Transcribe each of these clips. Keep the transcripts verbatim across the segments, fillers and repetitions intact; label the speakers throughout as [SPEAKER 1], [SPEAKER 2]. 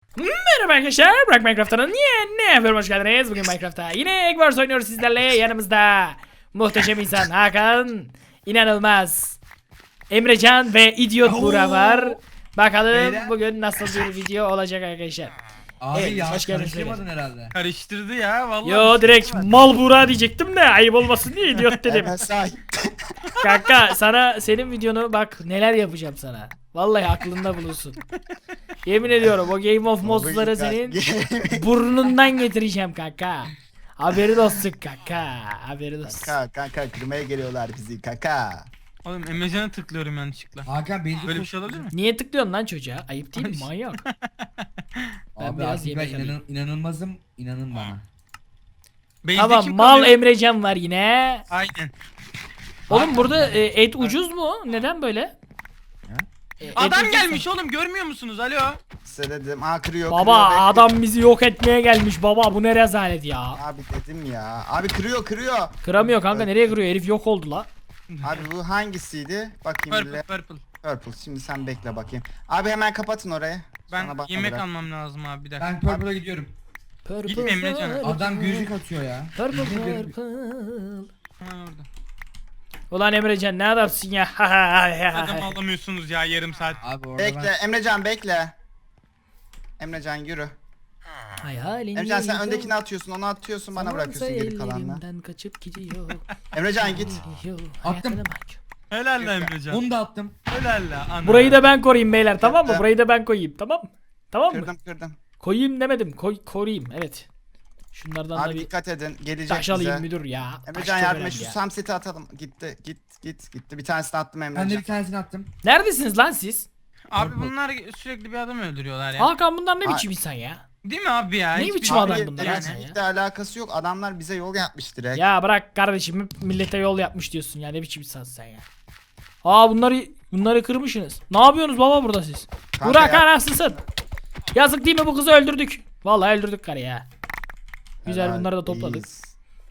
[SPEAKER 1] Merhaba arkadaşlar, Burak Minecraft'ın yeni bölümüne hoş geldiniz. Bugün Minecraft'ta yine Egg Wars oynuyoruz sizlerle. Yanımızda muhteşem insan Hakan, inanılmaz Emrecan ve idiot Burak var. Bakalım
[SPEAKER 2] Beyler.
[SPEAKER 1] bugün nasıl bir video olacak arkadaşlar.
[SPEAKER 2] Abi
[SPEAKER 1] Evet,
[SPEAKER 2] ya
[SPEAKER 1] hoş geldiniz
[SPEAKER 2] karıştırmadın herhalde.
[SPEAKER 3] Karıştırdı ya vallahi.
[SPEAKER 1] Yo direkt mal Burak diyecektim de ayıp olmasın diye idiot dedim.
[SPEAKER 4] Hemen say.
[SPEAKER 1] Kanka sana senin videonu bak neler yapacağım sana. Vallahi aklında bulunsun. Yemin ediyorum o Game of Monsters'ları senin burnundan getireceğim kanka. Haberin olsun kanka. Haberin olsun.
[SPEAKER 4] Kanka kanka kırmaya geliyorlar bizi kanka.
[SPEAKER 3] Oğlum Emrecan'a tıklıyorum yanlışlıkla.
[SPEAKER 2] Hakan beni
[SPEAKER 3] Böyle bir şey olabilir mi?
[SPEAKER 1] Niye tıklıyorsun lan çocuğa? Ayıp değil mi manyak? Ben
[SPEAKER 2] Abi
[SPEAKER 1] biraz
[SPEAKER 2] artık ben
[SPEAKER 1] yemek alayım.
[SPEAKER 2] inan, inanılmazım, inanın bana.
[SPEAKER 3] Base'de
[SPEAKER 1] Tamam
[SPEAKER 3] kim
[SPEAKER 1] mal
[SPEAKER 3] kalıyor?
[SPEAKER 1] Emrecan var yine.
[SPEAKER 3] Aynen.
[SPEAKER 1] Oğlum burada e, et ucuz mu? Neden böyle? E, et
[SPEAKER 3] Adam
[SPEAKER 1] ucuz
[SPEAKER 3] gelmiş
[SPEAKER 1] mu?
[SPEAKER 3] oğlum görmüyor musunuz? Alo.
[SPEAKER 4] Size dedim aa kırıyor
[SPEAKER 1] Baba
[SPEAKER 4] kırıyor,
[SPEAKER 1] adam bizi yok etmeye gelmiş baba bu ne rezalet ya.
[SPEAKER 4] Abi dedim ya. Abi kırıyor kırıyor.
[SPEAKER 1] Kıramıyor kanka nereye kırıyor herif yok oldu la.
[SPEAKER 4] Abi bu hangisiydi? Bakayım
[SPEAKER 3] Purple
[SPEAKER 4] bile.
[SPEAKER 3] purple.
[SPEAKER 4] Purple. Şimdi sen bekle bakayım. Abi hemen kapatın orayı.
[SPEAKER 3] Ben
[SPEAKER 4] Sonra bana
[SPEAKER 3] yemek
[SPEAKER 4] bırak.
[SPEAKER 3] almam lazım abi bir dakika.
[SPEAKER 2] Ben Purple'a gidiyorum.
[SPEAKER 1] Purple,
[SPEAKER 3] Gitme Emrecan.
[SPEAKER 1] purple,
[SPEAKER 2] Adam gülcük atıyor ya.
[SPEAKER 1] Purple
[SPEAKER 2] Gülcük-
[SPEAKER 1] purple.
[SPEAKER 3] Ha orada.
[SPEAKER 1] Ulan Emrecan ne adamsın ya.
[SPEAKER 3] Adam alamıyorsunuz ya yarım saat.
[SPEAKER 2] Abi orada
[SPEAKER 4] Bekle Emrecan bekle. Emrecan yürü.
[SPEAKER 1] Hayalini
[SPEAKER 4] Emrecan sen öndekini atıyorsun onu atıyorsun bana bırakıyorsun geri kalanla.
[SPEAKER 1] Elimden kaçıp gidiyor.
[SPEAKER 4] Emrecan git.
[SPEAKER 1] Gidiyor,
[SPEAKER 2] Attım.
[SPEAKER 1] hayatına bak.
[SPEAKER 3] Helal lan Emrecan.
[SPEAKER 2] ben onu da attım.
[SPEAKER 3] Helal la ana.
[SPEAKER 1] Burayı da ben koruyayım beyler tamam mı?
[SPEAKER 4] Yaptım.
[SPEAKER 1] Burayı da ben koyayım tamam mı? Tamam mı?
[SPEAKER 4] Kırdım kırdım.
[SPEAKER 1] Koyayım demedim. Koy koruyayım evet. Şunlardan da
[SPEAKER 4] Abi
[SPEAKER 1] bir
[SPEAKER 4] dikkat edin gelecek
[SPEAKER 1] taş
[SPEAKER 4] bize.
[SPEAKER 1] alayım müdür ya. Taş
[SPEAKER 4] Emrecan
[SPEAKER 1] çok
[SPEAKER 4] yardım et
[SPEAKER 1] önemli
[SPEAKER 4] şu
[SPEAKER 1] ya.
[SPEAKER 4] samseti atalım. Gitti git git gitti. Bir tanesini attım Emrecan.
[SPEAKER 2] Ben de bir tanesini attım.
[SPEAKER 1] Neredesiniz lan siz?
[SPEAKER 3] Abi bunlar sürekli bir adam öldürüyorlar ya.
[SPEAKER 1] Hakan bunlar ne
[SPEAKER 4] Ay-
[SPEAKER 1] biçim insan ya?
[SPEAKER 3] Değil mi abi ya?
[SPEAKER 1] Ne
[SPEAKER 3] Hiçbir-
[SPEAKER 1] biçim
[SPEAKER 4] Abi
[SPEAKER 1] adam bunlar ya sen ya?
[SPEAKER 4] temizlikle alakası yok. Adamlar bize yol yapmış direkt.
[SPEAKER 1] Ya bırak kardeşim hep millete yol yapmış diyorsun ya ne biçim insansın sen ya. Aa bunları bunları kırmışsınız. Ne yapıyorsunuz baba burada siz?
[SPEAKER 4] Kanka
[SPEAKER 1] Burak
[SPEAKER 4] ya-
[SPEAKER 1] anasısın. Yazık değil mi bu kızı öldürdük. Vallahi öldürdük karı ya. Güzel
[SPEAKER 4] Helal,
[SPEAKER 1] bunları da topladık.
[SPEAKER 4] iyiyiz.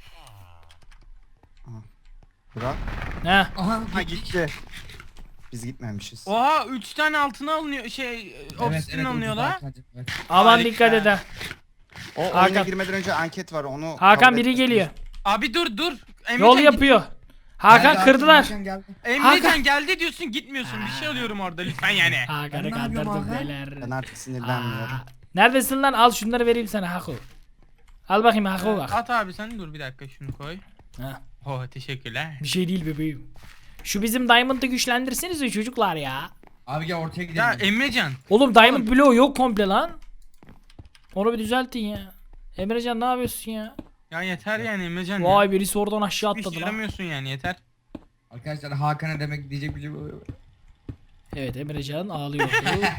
[SPEAKER 4] Aha. Burak.
[SPEAKER 1] He.
[SPEAKER 2] Aha
[SPEAKER 4] Ha gitti. Biz gitmemişiz.
[SPEAKER 3] Oha üç tane altına alınıyor şey obsidian alınıyor
[SPEAKER 2] ucuz
[SPEAKER 3] la.
[SPEAKER 2] Hakan'cım, evet.
[SPEAKER 1] Aman
[SPEAKER 3] Harika.
[SPEAKER 1] dikkat et ha.
[SPEAKER 4] O
[SPEAKER 1] Hakan.
[SPEAKER 4] oyuna girmeden önce anket var onu
[SPEAKER 1] Hakan
[SPEAKER 4] kabul
[SPEAKER 1] biri
[SPEAKER 4] etmesini-
[SPEAKER 1] geliyor.
[SPEAKER 3] Abi dur dur. Emrecan
[SPEAKER 1] Yol
[SPEAKER 3] git-
[SPEAKER 1] yapıyor. Hakan
[SPEAKER 2] Geldi,
[SPEAKER 1] kırdılar.
[SPEAKER 2] Hakan geldi.
[SPEAKER 3] Emrecan
[SPEAKER 1] Hakan.
[SPEAKER 3] geldi diyorsun gitmiyorsun. Bir şey alıyorum orada lütfen yani.
[SPEAKER 1] Hakan'ı
[SPEAKER 2] Ben ne yapıyorum
[SPEAKER 1] kandırdık
[SPEAKER 2] Hakan?
[SPEAKER 1] beyler.
[SPEAKER 4] Ben artık sinirlenmiyorum.
[SPEAKER 1] Aa, Neredesin lan al şunları vereyim sana Haku. Al bakayım Haku bak.
[SPEAKER 3] At abi sen dur bir dakika şunu koy.
[SPEAKER 1] Ha,
[SPEAKER 3] Oh teşekkürler.
[SPEAKER 1] bir şey değil bebeğim. Şu bizim Diamond'ı güçlendirsenize çocuklar ya.
[SPEAKER 2] Abi gel ortaya gidelim.
[SPEAKER 3] Ya Emrecan.
[SPEAKER 1] Oğlum Diamond bloğu yok komple lan. Onu bir düzeltin ya. Emrecan ne yapıyorsun ya?
[SPEAKER 3] Ya yeter yani Emrecan.
[SPEAKER 1] Vay birisi oradan aşağı
[SPEAKER 3] Hiç
[SPEAKER 1] atladı lan.
[SPEAKER 3] yaramıyorsun yani yeter.
[SPEAKER 2] Arkadaşlar Hakan'a demek diyecek bir şey yok.
[SPEAKER 1] Evet Emrecan ağlıyordu.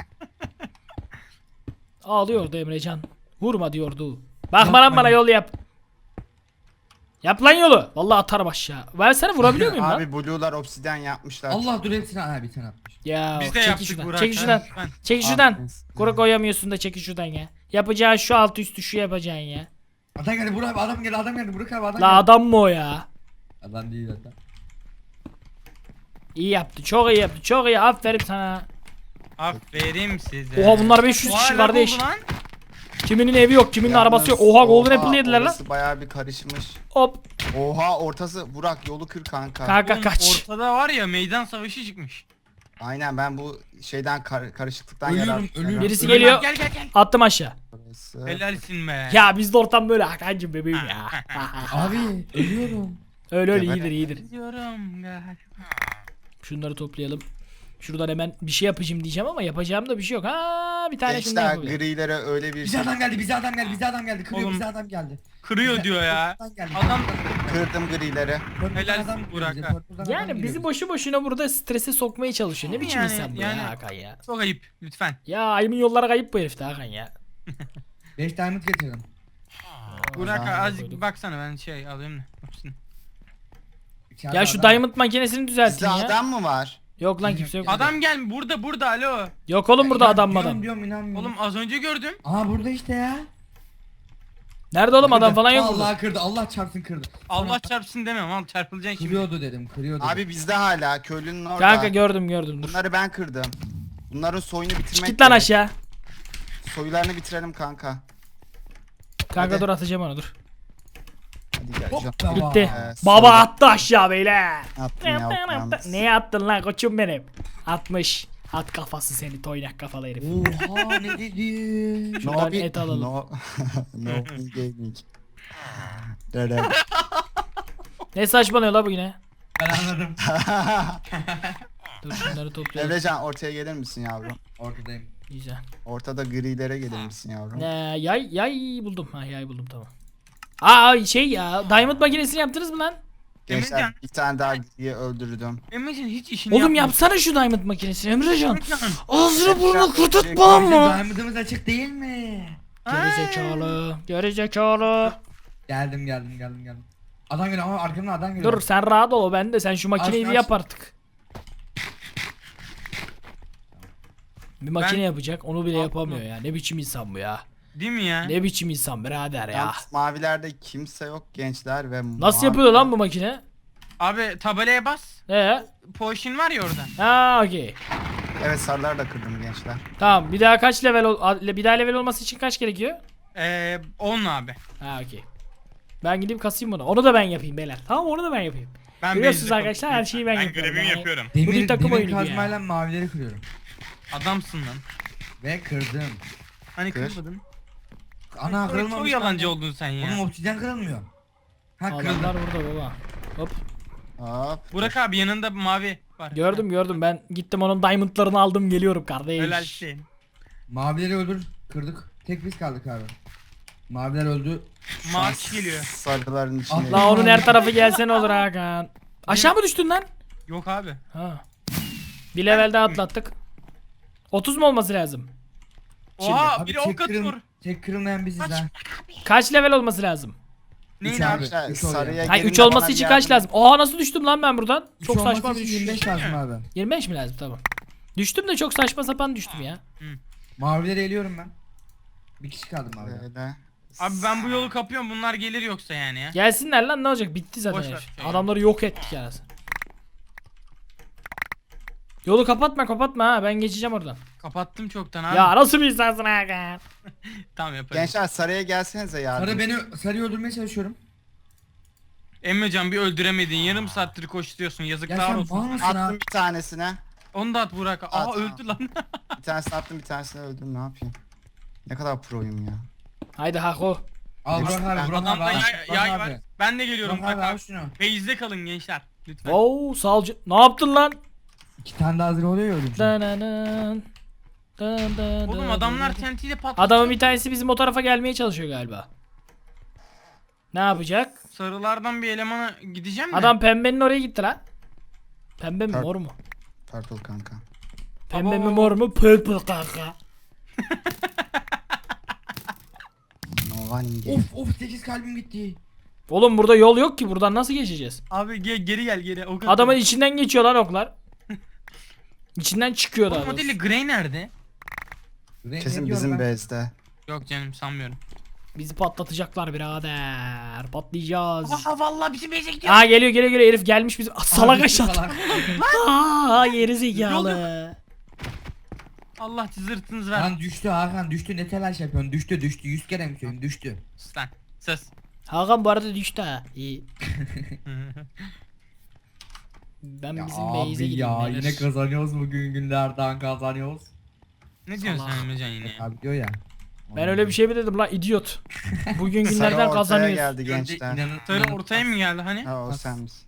[SPEAKER 1] Ağlıyordu Emrecan. Vurma diyordu. Bakma lan
[SPEAKER 2] Yapma
[SPEAKER 1] bana
[SPEAKER 2] ya.
[SPEAKER 1] yol yap. Yap lan yolu. Vallahi atarım aşağı. Ben seni vurabiliyor muyum lan?
[SPEAKER 4] Abi Blue'lar obsidyen yapmışlar.
[SPEAKER 2] Allah dur hepsini ha bir tane atmış.
[SPEAKER 1] Ya
[SPEAKER 3] Biz de
[SPEAKER 1] çekil
[SPEAKER 3] yaptık
[SPEAKER 1] şuradan.
[SPEAKER 3] Burak.
[SPEAKER 1] Çekil
[SPEAKER 3] ha,
[SPEAKER 1] şuradan.
[SPEAKER 3] lütfen.
[SPEAKER 1] Çekil
[SPEAKER 4] Abi,
[SPEAKER 1] şuradan.
[SPEAKER 4] biz-
[SPEAKER 1] Kuru koyamıyorsun da çekil şuradan ya. Yapacağın şu alt üstü şu yapacaksın ya.
[SPEAKER 2] Adam geldi Burak abi adam geldi adam geldi Burak abi adam
[SPEAKER 1] La
[SPEAKER 2] geldi.
[SPEAKER 1] adam mı o ya?
[SPEAKER 2] Adam değil adam.
[SPEAKER 1] İyi yaptı. Çok iyi yaptı. Çok iyi. Aferin sana.
[SPEAKER 3] Aferin size.
[SPEAKER 1] Oha bunlar beş yüz
[SPEAKER 3] Oha,
[SPEAKER 1] kişi
[SPEAKER 3] lag
[SPEAKER 1] kardeş.
[SPEAKER 3] oldu lan.
[SPEAKER 1] Kiminin evi yok, kiminin
[SPEAKER 4] Yalnız,
[SPEAKER 1] arabası yok. Oha Golden Apple yediler lan.
[SPEAKER 4] Orası bayağı bir karışmış.
[SPEAKER 1] Hop.
[SPEAKER 4] Oha ortası Burak yolu kır kanka.
[SPEAKER 1] Kanka
[SPEAKER 3] Oğlum,
[SPEAKER 1] kaç.
[SPEAKER 3] Ortada var ya meydan savaşı çıkmış.
[SPEAKER 4] Aynen ben bu şeyden kar- karışıklıktan
[SPEAKER 2] Ölüyorum,
[SPEAKER 4] yarar.
[SPEAKER 2] ölüyorum.
[SPEAKER 1] Birisi
[SPEAKER 2] Öyle
[SPEAKER 1] geliyor.
[SPEAKER 3] Gel gel gel.
[SPEAKER 1] Attım aşağı.
[SPEAKER 4] Orası.
[SPEAKER 3] Helalsin be.
[SPEAKER 1] Ya bizde ortam böyle Hakan'cım bebeğim ya.
[SPEAKER 2] Abi ölüyorum.
[SPEAKER 1] öyle öyle
[SPEAKER 4] Geber.
[SPEAKER 1] iyidir iyidir.
[SPEAKER 3] Diyorum galiba.
[SPEAKER 1] Şunları toplayalım. Şuradan hemen bir şey yapacağım diyeceğim ama yapacağım da bir şey yok. Ha bir tane şundan
[SPEAKER 4] Gençler
[SPEAKER 1] yapabilirim.
[SPEAKER 4] grilere öyle bir
[SPEAKER 2] Bize
[SPEAKER 4] şey
[SPEAKER 2] adam geldi bize adam geldi bize adam geldi. Kırıyor
[SPEAKER 3] Oğlum.
[SPEAKER 2] bize adam geldi.
[SPEAKER 3] Kırıyor
[SPEAKER 2] Bize-
[SPEAKER 3] diyor ya.
[SPEAKER 2] Purple'dan geldi.
[SPEAKER 3] Adam
[SPEAKER 4] kırdım grileri.
[SPEAKER 2] Purple'dan
[SPEAKER 3] Helal
[SPEAKER 2] adam geliyor
[SPEAKER 3] Burak
[SPEAKER 2] bize,
[SPEAKER 3] ha.
[SPEAKER 2] Purple'dan adam
[SPEAKER 1] Yani
[SPEAKER 2] geliyor
[SPEAKER 1] bizi
[SPEAKER 2] bize.
[SPEAKER 1] boşu boşuna burada strese sokmaya çalışıyor. Ne biçim
[SPEAKER 3] Yani-
[SPEAKER 1] insan bu
[SPEAKER 3] yani-
[SPEAKER 1] ya Hakan ya.
[SPEAKER 3] çok ayıp lütfen.
[SPEAKER 1] Ya ayımın yollara kayıp bu herif de Hakan ya.
[SPEAKER 2] beş diamond getirdim.
[SPEAKER 3] Burak
[SPEAKER 4] zaman
[SPEAKER 3] azıcık
[SPEAKER 1] koyduk.
[SPEAKER 3] baksana ben şey alayım da. Hepsini.
[SPEAKER 2] İçeride
[SPEAKER 1] Ya şu
[SPEAKER 2] adam-
[SPEAKER 1] diamond makinesini düzeltin
[SPEAKER 4] Bizde
[SPEAKER 1] ya.
[SPEAKER 4] adam mı var?
[SPEAKER 1] Yok lan kimse yok.
[SPEAKER 3] Adam gel burada burada alo.
[SPEAKER 1] Yok oğlum burada
[SPEAKER 2] Ya,
[SPEAKER 1] adam
[SPEAKER 2] diyorum,
[SPEAKER 1] adam.
[SPEAKER 2] Diyorum inanmıyorum.
[SPEAKER 3] Oğlum az önce gördüm.
[SPEAKER 2] Aha burada işte ya.
[SPEAKER 1] Nerede oğlum adam falan yok
[SPEAKER 2] Allah
[SPEAKER 1] burada.
[SPEAKER 2] kırdı Allah çarpsın kırdı.
[SPEAKER 3] Allah çarpsın demem al çarpılacaksın şimdi.
[SPEAKER 2] Kırıyordu dedim kırıyordu.
[SPEAKER 4] Abi bizde hala köylünün orada.
[SPEAKER 1] Kanka gördüm gördüm dur.
[SPEAKER 4] Bunları ben kırdım. Bunların soyunu bitirmek
[SPEAKER 1] Git lan
[SPEAKER 4] gerek.
[SPEAKER 1] aşağı.
[SPEAKER 4] soyularını bitirelim kanka.
[SPEAKER 1] Kanka
[SPEAKER 4] Hadi.
[SPEAKER 1] dur atacağım onu dur.
[SPEAKER 4] Hadi gel.
[SPEAKER 2] Hop
[SPEAKER 4] Can.
[SPEAKER 2] tamam.
[SPEAKER 1] Bitti.
[SPEAKER 4] Ee,
[SPEAKER 1] Baba
[SPEAKER 4] sonra-
[SPEAKER 1] attı aşağı beyler.
[SPEAKER 4] Attım ya. yalnız.
[SPEAKER 1] Neye attın lan koçum benim? Atmış. At kafası seni toynak kafalı herif.
[SPEAKER 2] Oha ne dedi?
[SPEAKER 1] Şuradan
[SPEAKER 4] bi-
[SPEAKER 1] et alalım.
[SPEAKER 4] No, no bin gaming. Dede.
[SPEAKER 1] Ne saçmalıyor la bu yine?
[SPEAKER 2] Ben anladım.
[SPEAKER 1] Dur şunları toplayalım.
[SPEAKER 4] Emrecan ortaya gelir misin yavrum?
[SPEAKER 2] Ortadayım.
[SPEAKER 1] Güzel.
[SPEAKER 4] Ortada grilere gelir misin yavrum?
[SPEAKER 1] Ee, yay yay buldum. Ha yay buldum tamam. Aa şey ya diamond makinesini yaptınız mı lan?
[SPEAKER 4] Gençler
[SPEAKER 3] Emrecan.
[SPEAKER 4] bir tane daha griyi öldürdüm.
[SPEAKER 3] Emrecan hiç işini
[SPEAKER 1] Oğlum
[SPEAKER 3] yapmıyor.
[SPEAKER 1] yapsana şu diamond makinesini Emrecan.
[SPEAKER 3] Emrecan.
[SPEAKER 1] Ağzını burnunu
[SPEAKER 4] Emrecan,
[SPEAKER 1] kırtırtma
[SPEAKER 2] Bizim
[SPEAKER 1] mı?
[SPEAKER 2] diamond'ımız açık değil mi?
[SPEAKER 1] Geri zekalı. Geri zekalı.
[SPEAKER 2] Geldim geldim geldim geldim. Adam geliyor ama arkamdan adam geliyor.
[SPEAKER 1] Dur sen rahat ol ben de sen şu makineyi
[SPEAKER 2] Aç,
[SPEAKER 1] bir
[SPEAKER 2] aç.
[SPEAKER 1] yap artık. Bir makine
[SPEAKER 3] Ben-
[SPEAKER 1] yapacak onu bile
[SPEAKER 3] Haklı.
[SPEAKER 1] yapamıyor ya. Ne biçim insan bu ya?
[SPEAKER 3] Değil mi ya?
[SPEAKER 1] Ne biçim insan birader ya.
[SPEAKER 4] Yalnız mavilerde kimse yok gençler ve
[SPEAKER 1] Nasıl
[SPEAKER 4] mavi-
[SPEAKER 1] yapıyor lan bu makine?
[SPEAKER 3] Abi tabelaya bas.
[SPEAKER 1] Ee?
[SPEAKER 3] Potion var ya orada.
[SPEAKER 1] Ha okey.
[SPEAKER 4] Evet sarılar da kırdım gençler.
[SPEAKER 1] Tamam bir daha kaç level ol a- bir daha level olması için kaç gerekiyor?
[SPEAKER 3] Ee, on abi.
[SPEAKER 1] Ha okey. Ben gidip kasayım bunu. Onu da ben yapayım beyler. Tamam onu da ben yapayım.
[SPEAKER 3] Ben
[SPEAKER 1] Görüyorsunuz
[SPEAKER 3] base'de
[SPEAKER 1] arkadaşlar her şeyi ben,
[SPEAKER 3] Ben
[SPEAKER 1] yapıyorum.
[SPEAKER 3] görevimi
[SPEAKER 1] Yani
[SPEAKER 3] yapıyorum.
[SPEAKER 1] Bu bir
[SPEAKER 2] Demir,
[SPEAKER 1] takım
[SPEAKER 2] demir
[SPEAKER 1] oyunu ya.
[SPEAKER 2] kazmayla mavileri kırıyorum.
[SPEAKER 3] Adamsın lan.
[SPEAKER 2] Ve kırdım.
[SPEAKER 3] Hani
[SPEAKER 4] Kır.
[SPEAKER 3] kırmadın.
[SPEAKER 2] Ana
[SPEAKER 3] Çok,
[SPEAKER 2] kırılmamış.
[SPEAKER 3] çok yalancı oldun sen ya.
[SPEAKER 2] Oğlum obsidyen kırılmıyor. Ha kırıldı.
[SPEAKER 1] Adamlar burada baba. Hop.
[SPEAKER 4] Hop.
[SPEAKER 3] Burak abi yanında mavi var.
[SPEAKER 1] Gördüm gördüm ben gittim onun diamondlarını aldım geliyorum kardeş.
[SPEAKER 3] Helal şey.
[SPEAKER 2] Mavileri öldür. Kırdık. Tek biz kaldık abi. Maviler öldü.
[SPEAKER 3] Mavi geliyor.
[SPEAKER 4] Sarıların içinde.
[SPEAKER 1] La onun her tarafı gelse ne olur Hakan. Aşağı mı düştün lan?
[SPEAKER 3] Yok abi.
[SPEAKER 1] Ha. Bir level daha atlattık. otuz mu olması lazım?
[SPEAKER 3] Oha
[SPEAKER 2] Abi
[SPEAKER 3] biri ok
[SPEAKER 2] tek,
[SPEAKER 3] atıyor.
[SPEAKER 2] kırıl, tek kırılmayan biziz
[SPEAKER 3] Kaç?
[SPEAKER 2] ha.
[SPEAKER 1] Kaç level olması lazım?
[SPEAKER 3] Neyin
[SPEAKER 2] Üç
[SPEAKER 3] abi?
[SPEAKER 2] abi.
[SPEAKER 4] Gençler,
[SPEAKER 2] üç oluyor.
[SPEAKER 4] sarıya
[SPEAKER 1] Hayır
[SPEAKER 4] gelin
[SPEAKER 1] üç
[SPEAKER 4] de
[SPEAKER 1] olması
[SPEAKER 4] bana
[SPEAKER 1] için
[SPEAKER 4] bir
[SPEAKER 1] kaç
[SPEAKER 4] yardım-
[SPEAKER 1] lazım? Oha nasıl düştüm lan ben buradan? Çok
[SPEAKER 2] Üç olması
[SPEAKER 1] saçma bir
[SPEAKER 2] için
[SPEAKER 1] düşüş.
[SPEAKER 2] yirmi beş lazım abi.
[SPEAKER 1] yirmi beş mi lazım tamam. Düştüm de çok saçma sapan düştüm ya.
[SPEAKER 2] Mavileri eliyorum ben. Bir kişi kaldı mavi.
[SPEAKER 4] Böyle.
[SPEAKER 3] Abi ben bu yolu kapıyorum bunlar gelir yoksa yani ya.
[SPEAKER 1] Gelsinler lan ne olacak bitti zaten.
[SPEAKER 3] Boş ver,
[SPEAKER 1] herif.
[SPEAKER 3] şey
[SPEAKER 1] Adamları yok ettik yani. Yolu kapatma kapatma ha ben geçeceğim oradan.
[SPEAKER 3] Kapattım çoktan abi.
[SPEAKER 1] Ya nasıl bir insansın Hakan?
[SPEAKER 3] Tamam yaparım.
[SPEAKER 4] Gençler sarıya gelsenize yardım.
[SPEAKER 2] Sarı beni sarıyı öldürmeye çalışıyorum.
[SPEAKER 3] Emrecan bir öldüremedin. Yarım saattir koşturuyorsun.
[SPEAKER 2] Ya
[SPEAKER 3] Yazıklar
[SPEAKER 2] sen
[SPEAKER 3] olsun.
[SPEAKER 2] mal mısın ha?
[SPEAKER 4] Attım bir tanesine.
[SPEAKER 3] Onu da at Burak. Aa
[SPEAKER 4] At,
[SPEAKER 3] öldü lan.
[SPEAKER 4] Bir tanesini attım bir tanesini öldüm ne yapayım. Ne kadar proyum ya.
[SPEAKER 1] Haydi Hako.
[SPEAKER 2] Al Burak abi, Burak abi.
[SPEAKER 3] Adamda
[SPEAKER 2] al.
[SPEAKER 3] yay,
[SPEAKER 2] Burak
[SPEAKER 3] yay
[SPEAKER 2] abi.
[SPEAKER 3] var. Ben de geliyorum
[SPEAKER 2] Burak abi
[SPEAKER 3] Burak
[SPEAKER 2] al
[SPEAKER 3] abi.
[SPEAKER 2] şunu.
[SPEAKER 3] Base'de kalın gençler. Lütfen.
[SPEAKER 1] Oo salcı. Ne yaptın lan?
[SPEAKER 2] İki tane daha hazır oluyor ya öldüreceğim.
[SPEAKER 1] Dananın. Dın dın
[SPEAKER 3] Oğlum
[SPEAKER 1] dın
[SPEAKER 3] adamlar
[SPEAKER 1] dın.
[SPEAKER 3] T N T'yle patlatıyor.
[SPEAKER 1] Adamın bir tanesi bizim o tarafa gelmeye çalışıyor galiba. Ne yapacak?
[SPEAKER 3] Sarılardan bir elemana gideceğim mi?
[SPEAKER 1] Adam pembenin oraya gitti lan. Pembe mi
[SPEAKER 4] Pur-
[SPEAKER 1] mor mu?
[SPEAKER 4] Purple kanka.
[SPEAKER 1] Pembe mi
[SPEAKER 3] Abo.
[SPEAKER 1] mor mu? Purple kanka.
[SPEAKER 4] No one game.
[SPEAKER 2] Of of sekiz kalbim gitti.
[SPEAKER 1] Oğlum burada yol yok ki buradan nasıl geçeceğiz?
[SPEAKER 3] Abi ge- geri gel geri. O kadar.
[SPEAKER 1] Adamın içinden geçiyor lan oklar. İçinden çıkıyor
[SPEAKER 3] O
[SPEAKER 1] daha doğrusu.
[SPEAKER 3] modeli Grey nerede?
[SPEAKER 2] Renk
[SPEAKER 4] Kesin
[SPEAKER 2] ne diyorum
[SPEAKER 4] bizim
[SPEAKER 2] ben?
[SPEAKER 4] base'de.
[SPEAKER 3] Yok canım sanmıyorum.
[SPEAKER 1] Bizi patlatacaklar birader. Patlayacağız.
[SPEAKER 3] Aa vallahi bizim base'e gidiyor.
[SPEAKER 1] Aa geliyor geliyor geliyor herif gelmiş bizim. Ah, salak
[SPEAKER 2] Abi,
[SPEAKER 1] aşağı.
[SPEAKER 2] salak.
[SPEAKER 1] Aa geri zekalı.
[SPEAKER 3] Allah zırtınız ver.
[SPEAKER 2] Lan düştü Hakan düştü ne telaş yapıyorsun düştü düştü yüz kere mi söyleyeyim düştü.
[SPEAKER 3] Sus lan. Sus.
[SPEAKER 1] Hakan bu arada düştü ha. İyi. Ben
[SPEAKER 2] Ya
[SPEAKER 1] bizim
[SPEAKER 2] abi
[SPEAKER 1] base'e gideyim.
[SPEAKER 2] ya
[SPEAKER 1] beyler.
[SPEAKER 2] yine kazanıyoruz bugün günlerden kazanıyoruz.
[SPEAKER 3] Ne diyorsun
[SPEAKER 1] Salak.
[SPEAKER 3] sen Emrecan yine ya?
[SPEAKER 2] Abi diyor ya.
[SPEAKER 1] Ben öyle bir şey mi dedim lan idiot. Bugün
[SPEAKER 4] Sarı
[SPEAKER 1] günlerden
[SPEAKER 4] ortaya
[SPEAKER 1] kazanıyoruz.
[SPEAKER 4] geldi
[SPEAKER 2] Önce
[SPEAKER 4] gençler.
[SPEAKER 2] inanın-
[SPEAKER 3] Sarı
[SPEAKER 2] inanın-
[SPEAKER 3] ortaya mı geldi hani?
[SPEAKER 4] Ha o
[SPEAKER 2] Nasıl?
[SPEAKER 4] sen misin?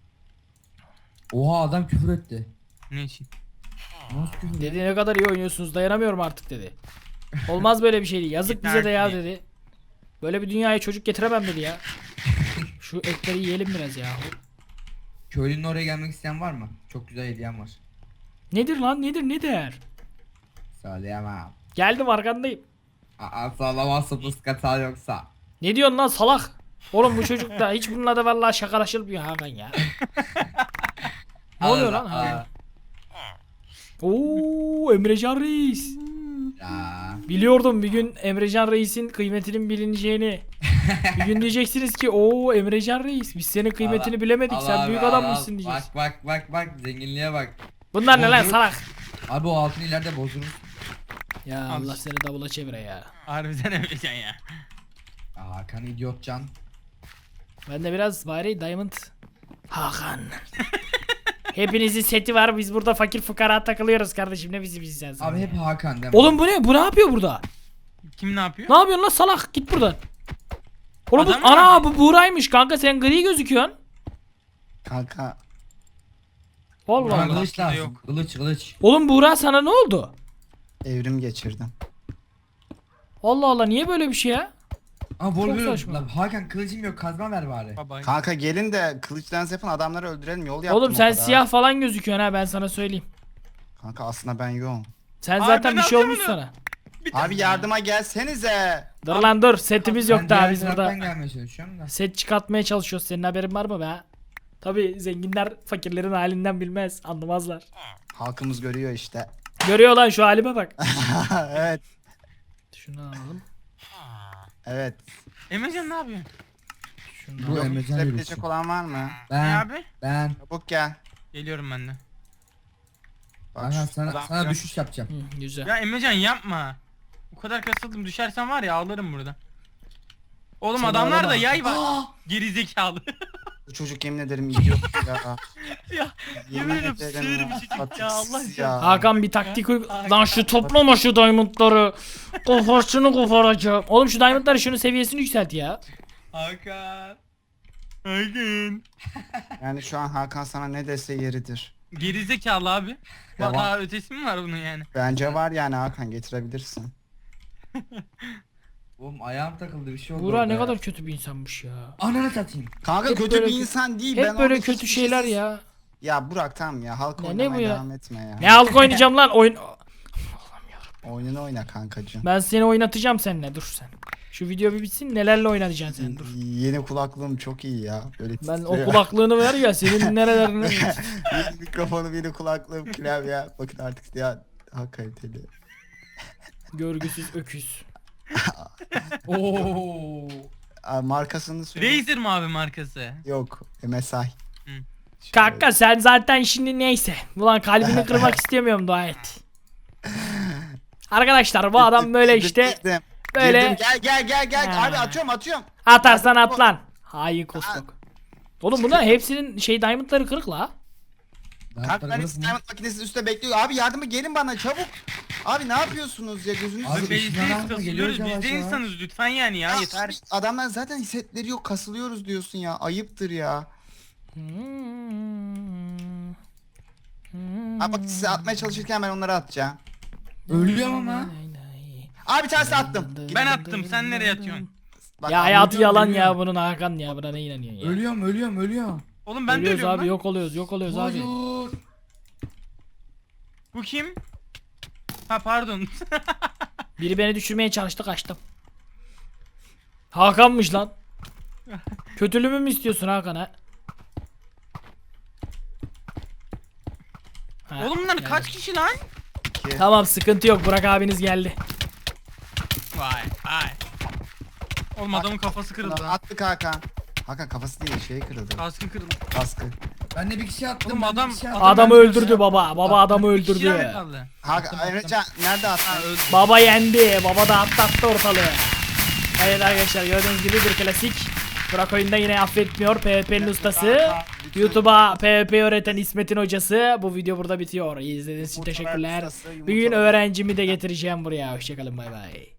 [SPEAKER 2] Oha adam küfür etti.
[SPEAKER 3] Ne için?
[SPEAKER 2] Nasıl küfür etti?
[SPEAKER 1] Dedi ne kadar iyi oynuyorsunuz dayanamıyorum artık dedi. Olmaz böyle bir şey değil. Yazık bize de ya dedi. Böyle bir dünyaya çocuk getiremem dedi ya. Şu etleri yiyelim biraz ya.
[SPEAKER 2] Köylünün oraya gelmek isteyen var mı? Çok güzel hediyem var.
[SPEAKER 1] Nedir lan nedir ne der?
[SPEAKER 2] Söyleyemem.
[SPEAKER 1] Geldim arkandayım.
[SPEAKER 2] Aa sağlamazsa puskata yoksa.
[SPEAKER 1] Ne diyorsun lan salak? Oğlum bu çocuk da hiç bununla da vallahi şakalaşılmıyor Hakan ya. Ne oluyor lan? Ha. Oo Emrecan Reis.
[SPEAKER 2] Ya.
[SPEAKER 1] Biliyordum bir gün Emrecan Reis'in kıymetinin bilineceğini. Bir gün diyeceksiniz ki o Emrecan Reis biz senin kıymetini
[SPEAKER 2] Allah-
[SPEAKER 1] bilemedik
[SPEAKER 2] Allah
[SPEAKER 1] sen
[SPEAKER 2] abi,
[SPEAKER 1] büyük
[SPEAKER 2] Allah-
[SPEAKER 1] adammışsın diyeceğiz.
[SPEAKER 2] Bak bak bak bak zenginliğe bak.
[SPEAKER 1] Bunlar ne lan
[SPEAKER 2] Bozdurup-
[SPEAKER 1] salak?
[SPEAKER 2] Abi o altın ileride bozulur.
[SPEAKER 1] Ya
[SPEAKER 3] Al
[SPEAKER 1] Allah
[SPEAKER 3] işte.
[SPEAKER 1] seni davula çevire ya.
[SPEAKER 3] Harbiden Emrecan ya.
[SPEAKER 2] Hakan idiotcan.
[SPEAKER 1] Ben de biraz bari Diamond Hakan. Hepinizin seti var. Biz burada fakir fukara takılıyoruz kardeşim. Ne bizi biz sen sen.
[SPEAKER 2] Abi hep Hakan değil mi?
[SPEAKER 1] Oğlum bu ne? Bu ne yapıyor burada?
[SPEAKER 3] Kim ne yapıyor?
[SPEAKER 1] Ne yapıyorsun lan salak? Git buradan. Oğlum bu,
[SPEAKER 3] Adam mı
[SPEAKER 1] ana
[SPEAKER 3] var?
[SPEAKER 1] bu Buğra'ymış kanka, sen gri gözüküyorsun.
[SPEAKER 4] Kanka
[SPEAKER 1] Allah
[SPEAKER 2] Bana
[SPEAKER 1] Allah.
[SPEAKER 2] kılıç
[SPEAKER 3] Aklında
[SPEAKER 2] lazım.
[SPEAKER 3] yok.
[SPEAKER 2] Kılıç kılıç.
[SPEAKER 1] Oğlum Buğra sana ne oldu?
[SPEAKER 4] evrim geçirdim.
[SPEAKER 1] Allah Allah, niye böyle bir şey ya?
[SPEAKER 2] Ama
[SPEAKER 1] Çok
[SPEAKER 2] Wolverine.
[SPEAKER 1] saçma.
[SPEAKER 2] Lan Hakan kılıcım yok, kazma ver bari.
[SPEAKER 3] Baba.
[SPEAKER 4] Kanka gelin de kılıç dans yapan adamları öldürelim, yol yaptım
[SPEAKER 1] Oğlum
[SPEAKER 4] o
[SPEAKER 1] sen
[SPEAKER 4] kadar.
[SPEAKER 1] siyah falan gözüküyorsun ha, ben sana söyleyeyim.
[SPEAKER 4] Kanka aslında ben yoğum.
[SPEAKER 1] Sen
[SPEAKER 3] Abi
[SPEAKER 1] zaten
[SPEAKER 3] ben
[SPEAKER 1] bir şey
[SPEAKER 3] alacağım
[SPEAKER 1] olmuş
[SPEAKER 3] onu.
[SPEAKER 1] sana.
[SPEAKER 4] Abi yardıma gelsenize.
[SPEAKER 1] Dur lan dur, setimiz yok
[SPEAKER 2] Ben
[SPEAKER 1] daha
[SPEAKER 2] diğer
[SPEAKER 1] biz
[SPEAKER 2] taraftan
[SPEAKER 1] burada.
[SPEAKER 2] gelmeye çalışıyorum da.
[SPEAKER 1] Set çıkartmaya çalışıyoruz, senin haberin var mı be? Tabi zenginler fakirlerin halinden bilmez, anlamazlar.
[SPEAKER 4] Halkımız görüyor işte.
[SPEAKER 1] Görüyor lan şu halime bak.
[SPEAKER 4] Evet.
[SPEAKER 1] Şunu alalım.
[SPEAKER 4] Evet.
[SPEAKER 3] Emrecan ne yapıyorsun?
[SPEAKER 1] Şunu
[SPEAKER 2] Bu
[SPEAKER 1] alalım.
[SPEAKER 2] Emrecan
[SPEAKER 4] Götürebilecek
[SPEAKER 2] yürüsün.
[SPEAKER 4] olan var mı?
[SPEAKER 3] Ne
[SPEAKER 2] Ben
[SPEAKER 3] abi?
[SPEAKER 2] ben.
[SPEAKER 4] Çabuk gel.
[SPEAKER 3] Geliyorum ben de.
[SPEAKER 4] Bak
[SPEAKER 2] Hakan
[SPEAKER 4] şu-
[SPEAKER 2] sana,
[SPEAKER 3] adam-
[SPEAKER 2] sana düşüş yapacağım.
[SPEAKER 1] Hı, güzel.
[SPEAKER 3] Ya Emrecan yapma. O kadar kasıldım, düşersen var ya ağlarım burada. Oğlum
[SPEAKER 1] Sen
[SPEAKER 3] adamlar da
[SPEAKER 1] ağlama.
[SPEAKER 3] yay var.
[SPEAKER 2] Aa!
[SPEAKER 3] Gerizekalı.
[SPEAKER 4] Bu çocuk yemin ederim idiot ya.
[SPEAKER 3] ya yemin ederim sığır bir çocuk ya, Allah
[SPEAKER 4] Patiksiz
[SPEAKER 3] aşkına.
[SPEAKER 1] Hakan bir taktik uy... Lan şu toplama şu diamondları. Kafasını koparacağım. Oğlum şu diamondları, şunun seviyesini yükselt ya.
[SPEAKER 3] Hakan. Hakan.
[SPEAKER 4] Yani şu an Hakan sana ne dese yeridir.
[SPEAKER 3] Gerizekalı abi.
[SPEAKER 4] Ya
[SPEAKER 3] Daha ötesi mi var bunun yani?
[SPEAKER 4] Bence var yani Hakan, getirebilirsin.
[SPEAKER 2] Oğlum ayağım takıldı, bir şey oldu.
[SPEAKER 1] Buğra
[SPEAKER 2] orada
[SPEAKER 1] ne
[SPEAKER 2] ya.
[SPEAKER 1] kadar kötü bir insanmış ya.
[SPEAKER 2] Ananı satayım.
[SPEAKER 4] Kanka
[SPEAKER 1] Hep
[SPEAKER 4] kötü
[SPEAKER 1] böyle
[SPEAKER 4] bir
[SPEAKER 1] kö-
[SPEAKER 4] insan değil.
[SPEAKER 1] Hep
[SPEAKER 4] ben
[SPEAKER 1] böyle
[SPEAKER 4] orada
[SPEAKER 1] kötü
[SPEAKER 4] hiçbir
[SPEAKER 1] şeyler
[SPEAKER 4] şeysiz-
[SPEAKER 1] ya.
[SPEAKER 4] Ya Burak tamam ya, halk
[SPEAKER 1] Ya ne
[SPEAKER 4] oynamaya
[SPEAKER 1] bu ya?
[SPEAKER 4] devam etme ya.
[SPEAKER 1] Ne halk oynayacağım lan oyun.
[SPEAKER 4] Oyununu oyna kankacığım.
[SPEAKER 1] Ben seni oynatacağım seninle, dur sen. Şu video bir bitsin, nelerle oynatacaksın sen, dur.
[SPEAKER 4] Yeni kulaklığım çok iyi ya. Böyle
[SPEAKER 1] Ben
[SPEAKER 4] titriyor.
[SPEAKER 1] o kulaklığını ver ya, senin nerelerine.
[SPEAKER 4] Yeni mikrofonum, yeni kulaklığım, klavye. Bakın artık ya daha kaliteli.
[SPEAKER 1] Görgüsüz öküz.
[SPEAKER 2] Oo.
[SPEAKER 4] Aa, markasını söyle.
[SPEAKER 3] Razer mi abi markası?
[SPEAKER 4] Yok. M S I.
[SPEAKER 3] Hı.
[SPEAKER 1] Kanka sen zaten şimdi neyse. Ulan kalbini kırmak istemiyorum, dua et. Arkadaşlar bu adam böyle işte
[SPEAKER 4] Girdim.
[SPEAKER 1] böyle
[SPEAKER 4] Girdim. Gel gel gel gel.
[SPEAKER 1] Ha.
[SPEAKER 4] Abi atıyorum atıyorum.
[SPEAKER 1] atarsan at lan. Hain kostok. Oğlum bunlar hepsinin şey diamondları kırık la.
[SPEAKER 4] Kalk ben diamond makinesinin üstte bekliyor. Abi yardıma gelin bana çabuk. Abi ne yapıyorsunuz ya, gözünüzü
[SPEAKER 2] Abi,
[SPEAKER 4] seveyim.
[SPEAKER 2] üstüne
[SPEAKER 3] Bezdeyiz,
[SPEAKER 2] bakma,
[SPEAKER 3] kasılıyoruz.
[SPEAKER 2] geliyoruz
[SPEAKER 3] Biz de
[SPEAKER 2] yavaş yavaş.
[SPEAKER 3] insanız lütfen yani ya,
[SPEAKER 4] Ya
[SPEAKER 3] yeter.
[SPEAKER 4] abi, adamlar zaten hissetleri yok, kasılıyoruz diyorsun ya. Ayıptır ya. Abi bak size atmaya çalışırken ben onları atacağım.
[SPEAKER 2] Ölüyorum ama.
[SPEAKER 4] Abi bir tanesi attım.
[SPEAKER 3] Ben attım, sen nereye atıyorsun?
[SPEAKER 4] Bak,
[SPEAKER 1] Ya
[SPEAKER 4] abi,
[SPEAKER 1] hayatı
[SPEAKER 2] ölüyorum,
[SPEAKER 1] yalan ya
[SPEAKER 2] ölüyorum.
[SPEAKER 1] bunun, Hakan ya, buna ne inanıyorsun ya?
[SPEAKER 2] Ölüyorum ölüyorum ölüyorum.
[SPEAKER 3] Oğlum ben de
[SPEAKER 1] Ölüyoruz
[SPEAKER 3] ölüyorum
[SPEAKER 1] abi,
[SPEAKER 3] lan.
[SPEAKER 1] yok oluyoruz yok oluyoruz abi.
[SPEAKER 2] Hayır.
[SPEAKER 3] Bu kim? Ha pardon.
[SPEAKER 1] Biri beni düşürmeye çalıştı, kaçtım. Hakan'mış lan. Kötülüğümü mü istiyorsun Hakan ha? Ha,
[SPEAKER 3] Oğlum bunlar
[SPEAKER 1] geldi.
[SPEAKER 3] kaç kişi lan?
[SPEAKER 1] Tamam sıkıntı yok, Burak abiniz geldi.
[SPEAKER 3] Vay vay. Oğlum adamın kafası kırıldı lan.
[SPEAKER 4] Attık Hakan. Hakan kafası değil, şey kırıldı.
[SPEAKER 3] Kaskı kırıldı.
[SPEAKER 4] Kaskı.
[SPEAKER 2] Ben de bir kişi attım.
[SPEAKER 3] Oğlum
[SPEAKER 2] ben de
[SPEAKER 3] adam-
[SPEAKER 2] bir kişi attım.
[SPEAKER 1] Adamı
[SPEAKER 2] Ben de bir
[SPEAKER 1] öldürdü
[SPEAKER 2] kişi
[SPEAKER 1] baba. Baba adamı
[SPEAKER 3] Bir kişi daha mı
[SPEAKER 1] öldürdü.
[SPEAKER 3] kaldı?
[SPEAKER 4] Hakan, Emrecan nerede attın?
[SPEAKER 3] Ha öldü.
[SPEAKER 1] Baba yendi. Baba da atlattı ortalığı. Evet arkadaşlar, gördüğünüz gibi bir klasik. Burak oyunda yine affetmiyor. PvP'nin ustası. YouTube'a PvP öğreten İsmet'in hocası. Bu video burada bitiyor. İyi izlediğiniz için
[SPEAKER 4] Yumurtalar
[SPEAKER 1] teşekkürler.
[SPEAKER 4] ustası,
[SPEAKER 1] Bir gün
[SPEAKER 4] yumurtalar-
[SPEAKER 1] öğrencimi de getireceğim buraya. Hoşçakalın, bay bay.